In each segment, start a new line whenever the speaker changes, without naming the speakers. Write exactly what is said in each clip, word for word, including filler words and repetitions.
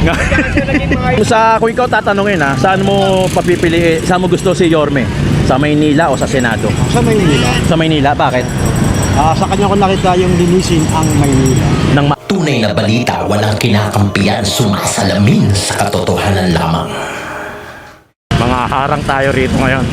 Sa kung ikaw tatanungin ha, saan mo papipili, saan mo gusto si Yorme? Sa Maynila o sa Senado?
Sa Maynila.
Sa Maynila, bakit?
Ah, sa kanya ko nakita yung linisin ang Maynila.
Nang ma-
Tunay na balita, walang kinakampiyan, sumasalamin sa katotohanan lamang.
mga harang tayo rito ngayon.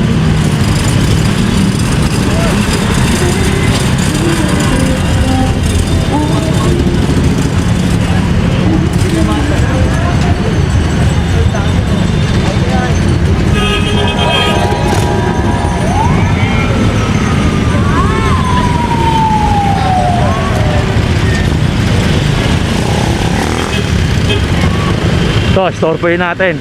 So, storpoyin natin.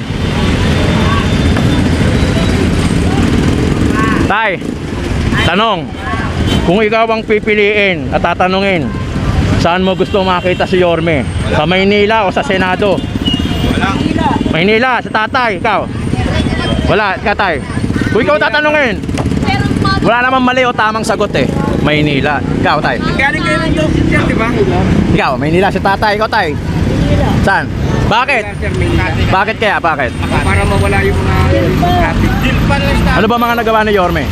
Tay, tanong, kung ikaw ang pipiliin at tatanungin, saan mo gusto makita si Yorme? Sa Maynila o sa Senado?
Wala.
Maynila, sa tatay, ikaw? Wala, ikaw tay. Kung ikaw tatanungin, wala namang mali o tamang sagot eh. Maynila, ikaw tay.
Galing kayo ng Joseph yan, di ba?
Ikaw, Maynila, sa tatay, ikaw tay. Saan? Bakit? Bakit kaya? Bakit?
Para mawala yung mga traffic. Deal pa lang sa...
Ano ba mga nagawa ni Yorme?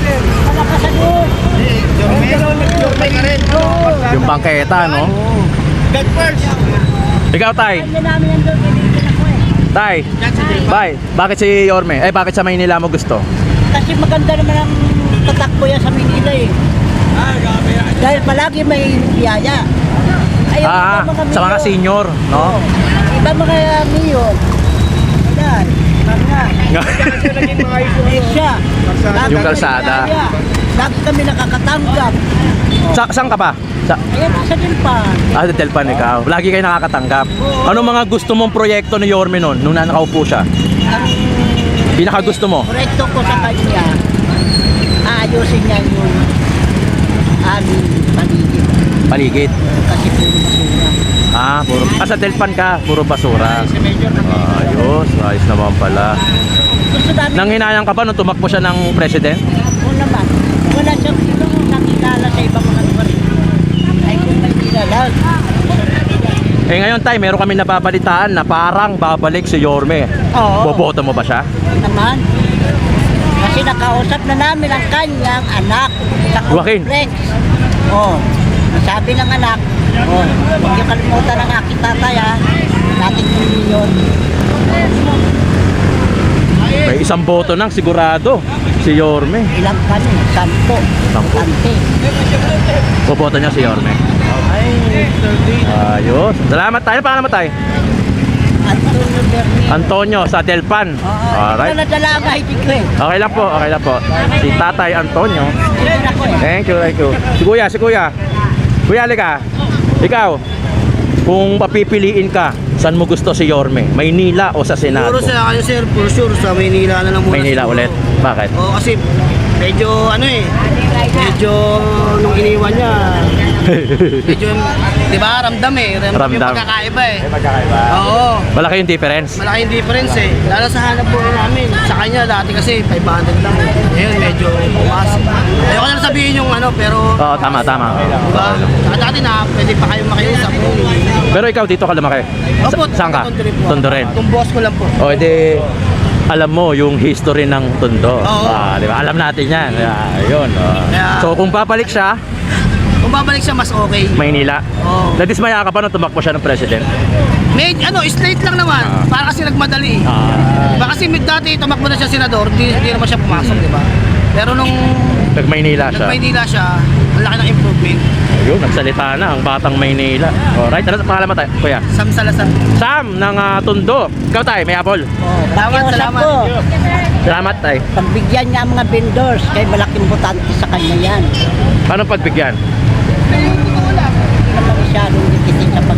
Yorme ka rin.
Yung bangketa, no?
God first.
Ikaw tay. Tay. Bye. Bakit si Yorme? Eh, bakit sa Maynila mo gusto?
Kasi maganda naman ang tatakbo yan sa Manila eh. Dahil palagi may biyaya. Ayaw
Ah,
iba
sa mga
mayor.
senior, no?
Iba mga mayor. Ayan, mga. Eh siya. Lagi
Yung
kami
kalsada.
biyaya. Lagi kami nakakatanggap.
Sa, saan ka pa? Sa,
Ayan, nasa Dilpan.
ah, sa Telpan ikaw. Lagi kayo nakakatanggap. Ano mga gusto mong proyekto ni Yorme nun, nung nakaupo siya?
Ang
Pinaka gusto mo?
proyekto ko sa kanya, aayusin niya yung aming paligid.
Paligid.
Kasi puro basura.
Ah, puro. Ah, sa Telpan ka, puro basura.
Sa major na
Ayos, ayos naman pala.
gusto namin.
Nang hinayang ka ba nung tumakbo siya ng president?
Oo naman. Wala siyang ibang nakilala sa ibang mga lugar. Ay kung may kilala.
Eh ngayon tay, meron kami nababalitaan na parang babalik si Yorme.
Oo.
Boboto mo ba siya?
Naman. Kasi nakausap na namin ang kanyang anak sa
Joaquin.
complex. Oo. Sabi ng anak, oh, huwag niyo kalimutan ang aking tatay ha. Natin yun.
May isang boto nang sigurado si Yorme.
Ilang kami? Sampo.
Sampo.
Ante.
Boboto niya si Yorme. Ayos. Salamat tayo. Paano naman tayo?
Antonio Berni.
Antonio sa Telpan.
Oo.
Alright.
Ito na dala ang I D ko eh.
Okay lang po, okay lang po. Si Tatay Antonio.
Ito na ko eh.
Thank you, thank you. Si Kuya, si Kuya. Kuya, halika. Ikaw, kung papipiliin ka, saan mo gusto si Yorme? Maynila o sa Senado?
Siguro sa akin sir, for sure sa Maynila na lang muna.
Maynila
siguro.
ulit. Bakit?
Oo, kasi medyo ano eh, medyo nung iniwan niya, medyo, di ba, ramdam eh, ramdam,
Ramdam.
yung pagkakaiba eh.
Magkakaiba.
Oo,
Malaki yung difference.
malaki yung difference eh. Lalo sa hanap buhay namin, sa kanya dati kasi five hundred lang eh. Ngayon medyo bumas. Ayoko na sabihin yung ano, pero,
Oo, tama, tama.
di ba, saka dati na pwede pa kayong makiusap.
Pero ikaw dito ka lumaki? Sa-
Opo,
saan ka?
Tondo rin po.
Tondo rin.
Itong boss ko lang po.
O, edi, alam mo yung history ng Tondo.
Oo.
Ah, di ba? Alam natin yan. Ah, yun. oh.
Kaya-
So, kung babalik siya,
Kung babalik siya, mas okay.
Maynila,
Oo.
nadismaya ka pa nung tumakbo siya ng president?
May, ano, straight lang naman.
Ah.
Para kasi nagmadali.
Ah,
Ba kasi mid dati tumakbo na siya senador, di, di naman siya pumasok, di ba? Pero nung
nag-Maynila siya.
nag-Maynila siya, ang laki ng improvement.
Ayun, nagsalita na ang batang Maynila. Alright, ano sa pangalan mo tayo? Kuya?
Sam Salazar.
Sam ng ah, Tondo. Ikaw tayo, may apple.
Oh,
Salamat,
pakiusap
salamat.
ko.
Salamat tayo.
Pagbigyan niya ang mga vendors, kay malaking butante sa kanya yan.
Paano pagbigyan?
Hindi naman masyadong dikitin sa pag...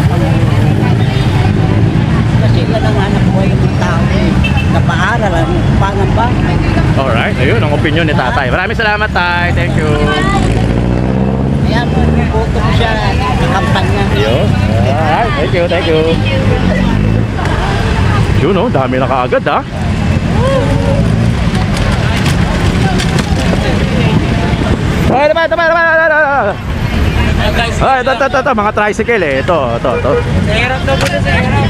Kasi yan ang hanap buhay ng tao eh. Napaaral, ano, pangamba.
Alright, ayun ang opinion ni tatay. Maraming salamat tay. Thank you.
Kaya mo, buto ko siya sa kampanya.
Ayun. Alright, thank you, thank you. Yun oh, dami na kaagad ha. Okay, tama, tama, tama, tama, tama. Ay, ito, ito, ito, ito, mga tricycle eh. Ito, ito, ito.
Hirap daw po sa hirap.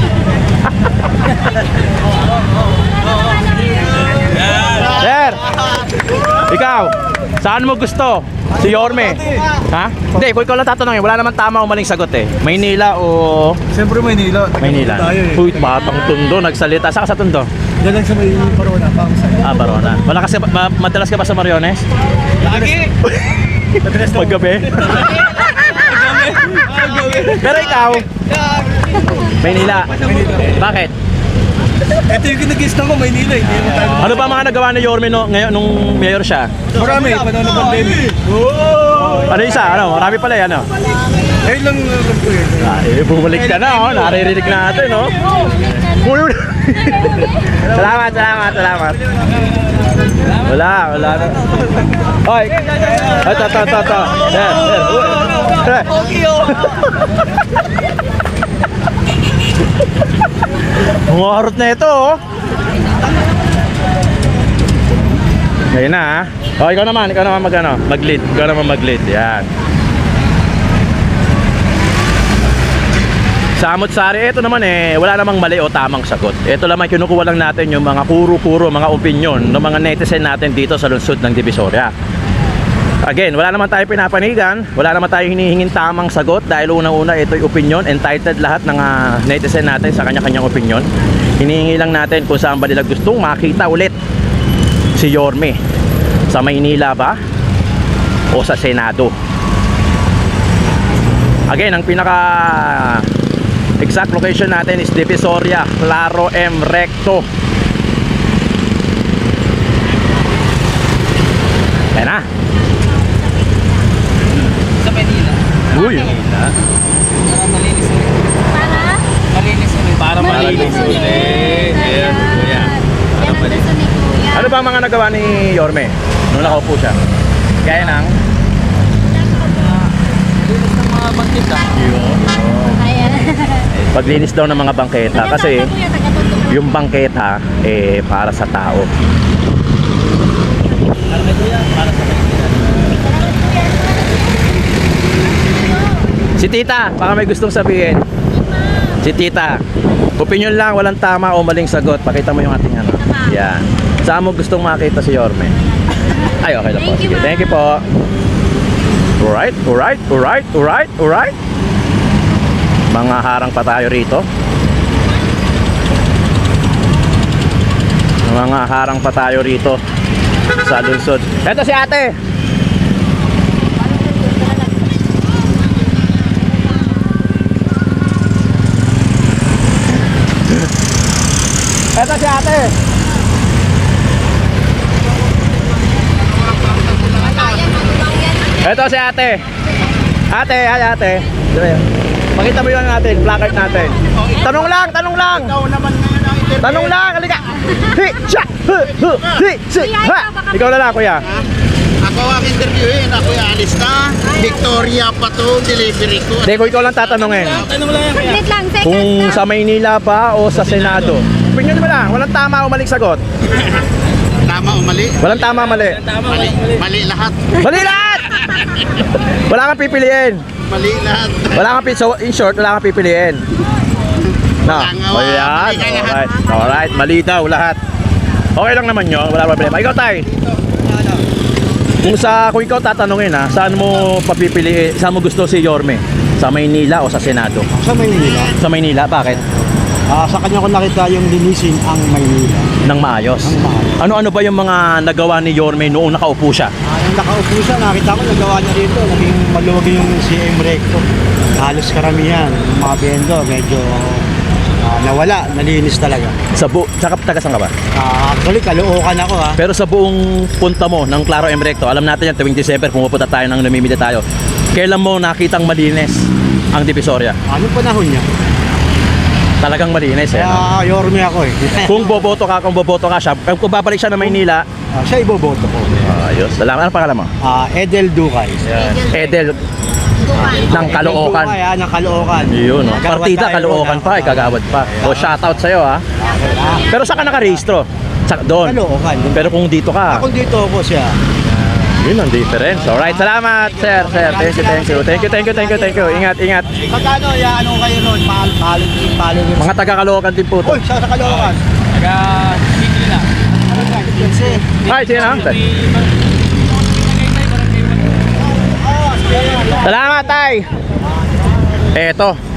Sir! Ikaw, saan mo gusto? Si Yorme? Ha? Hindi, kung ikaw lang tatanungin, wala naman tama o maling sagot eh. Maynila o...
Siyempre Maynila.
Maynila.
Tayo eh.
Uy, batang Tondo, nagsalita. Saan ka sa Tondo?
Yan lang sa may Barona. Pang sa
Ah, Barona. Wala kasi, ma- madalas ka ba sa Mariones?
Lagi!
Paggabi? Pero ikaw, Maynila. Bakit?
Ito yung kinag-guest ko, Maynila. Hindi naman tayo.
Ano ba mga nagawa ni Yorme no, ngayon nung mayor siya?
Marami. Panahon ng pandemic.
Ano isa? Ano? Marami pala yan, ano?
Ngayon lang alam ko eh.
Ah, eh, bumalik ka na, oh. Naririnig natin, no? Uy, salamat, salamat, salamat. Wala, wala na. Hoy. Ito, ito, ito, ito. Sir, sir. Uy. Sir. Mga harot na ito, oh. Ngayon na, ha? Oh, ikaw naman, ikaw naman mag, ano, mag-lead. Ikaw naman mag-lead. Yan. Sa Amot-Sari, ito naman eh, wala namang mali o tamang sagot. Ito lamang kinukuha lang natin yung mga kuro-kuro, mga opinion ng mga netizen natin dito sa lungsod ng Divisoria. Again, wala naman tayo pinapanigan, wala naman tayo hinihingin tamang sagot dahil unang-una ito'y opinion, entitled lahat ng uh, netizen natin sa kanya-kanyang opinion. Hinihingi lang natin kung saan ba nila gustong makita ulit si Yorme. Sa Maynila ba o sa Senado? Again, ang pinaka exact location natin is Divisoria, Claro M. Recto. Ayan na.
Sa Manila.
Uy.
Para malinis ulit.
Para?
Malinis ulit. Para
Malinis ulit.
Ayan, kuya.
Yan ang gusto ni Kuya.
Ano ba ang mga nagawa ni Yorme nung nakaupo siya? Gaya ng
Linis ng mga bangkita.
Ayan.
paglinis daw ng mga bangketa kasi yung bangketa eh para sa tao.
Para kay kuya, para sa Manila.
Si Tita, baka may gustong sabihin. Si Tita, opinion lang, walang tama o maling sagot. Pakita mo yung ating ano. Yan. Saan mo gustong makita si Yorme? Ay, okay lang po.
Thank you,
Sige,
ma'am.
thank you po. Alright, alright, alright, alright, alright. Mga harang pa tayo rito. Mga harang pa tayo rito sa lungsod. Eto si ate. Eto si ate. Eto si ate. Ate, ay ate. Pakita mo yun natin, placard natin. Tanong lang, tanong lang. Tanong lang, halika. Hi, siya, hu, hu, hi, si, ha. Ikaw na lang, kuya.
Ako ang interviewin, ako yung alis na. Victoria pa to, delivery ko.
Hindi, kung ikaw lang tatanungin.
Tanong lang yan, kuya.
Saglit lang, seconds
Kung
lang.
sa Maynila ba o sa Senado? Opinion mo lang, walang tama o maling sagot.
Tama o mali?
Walang tama, mali.
Tama,
Mali,
mali.
mali lahat.
Mali lahat! Wala kang pipiliin.
Mali lahat.
Wala kang pi- so in short, wala kang pipiliin. No.
Wala nga,
O yan.
mali ka lahat.
Alright. Alright. Mali daw lahat. Okay lang naman yun. Wala problema. Ikaw, Tay. Kung sa kung ikaw tatanungin ha, saan mo papipiliin, saan mo gusto si Yorme? Sa Maynila o sa Senado?
Sa Maynila.
Sa Maynila, bakit?
Ah, sa kanya ko nakita yung linisin ang Maynila.
Nang maayos.
Nang maayos.
Ano-ano ba yung mga nagawa ni Yorme noong nakaupo siya?
Ah, nung nakaupo siya, nakita ko nagawa niya dito. Naging maluwag yung C M Recto. Halos karamihan, yung mga vendor, medyo ah, nawala, nalinis talaga.
Sa bu tsaka taga saan ka ba?
Ah, actually, Caloocan ako ha.
Pero sa buong punta mo ng Claro M. Recto, alam natin yan, tuwing December, pumupunta tayo ng namimili tayo. Kailan mo nakitang malinis ang Divisoria?
Anong panahon niya?
Talagang malinis eh. No?
Ah, Yorme ako eh.
Kung boboto ka, kung boboto ka siya, kung babalik siya na Maynila,
Ah, siya iboboto ko.
ayos. Salamat. Ano pangalan mo?
Ah, Edel Ducay.
Edel ng Caloocan.
Edel Ducay ha, ng Caloocan.
Yun, no?
Kagawad
Partida
tayo
Caloocan
doon,
pa,
ah.
eh, kagawad pa. O shoutout sa'yo ha. Pero saan ka nakarehistro? Sa, doon.
Caloocan.
Pero kung dito ka,
Ako dito ako siya.
Yun ang difference. Alright, salamat, sir, sir. Thank you, thank you. Thank you, thank you, thank you, thank you. Ingat, ingat.
Magkano, ya, ano kayo nun? Mahal, mahal, mahal.
Mga taga-Caloocan din po to.
Uy, siya sa Caloocan.
Ay, sige na. Salamat, tay. Eto,